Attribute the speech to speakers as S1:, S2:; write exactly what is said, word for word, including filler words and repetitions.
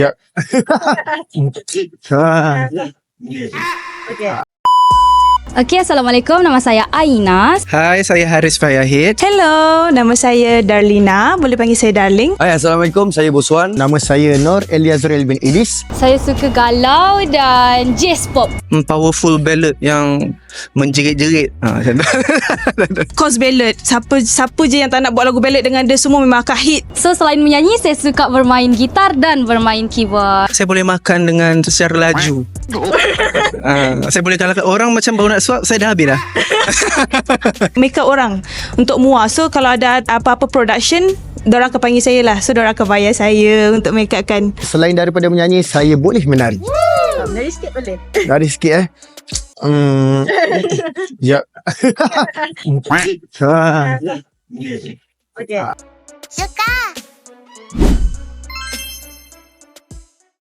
S1: Ya.
S2: Okay. Okay, Assalamualaikum. Nama saya Aina.
S3: Hai, saya Haris Fayahid.
S4: Hello, nama saya Darlina. Boleh panggil saya Darling.
S1: Hai, Assalamualaikum. Saya Boswan. Nama saya Nur Eliazril bin Idis.
S2: Saya suka galau dan jazz pop.
S3: Hmm, Powerful ballad yang menjerit-jerit. Ha, macam tu.
S4: Course ballad. Siapa siapa je yang tak nak buat lagu ballad dengan dia, semua memang akan hit.
S2: So, selain menyanyi, saya suka bermain gitar dan bermain keyboard.
S3: Saya boleh makan dengan secara laju. ha, saya boleh kalahkan orang macam baru nak suap, saya dah habis dah.
S4: Make up orang untuk muar. So kalau ada apa-apa production, diorang akan panggil saya lah. So diorang akan bayar saya untuk make up kan.
S1: Selain daripada menyanyi, saya boleh menari.
S4: Menari sikit boleh.
S1: Nari sikit eh. Hmm. Ya. Ha.
S4: Okay.
S5: Suka.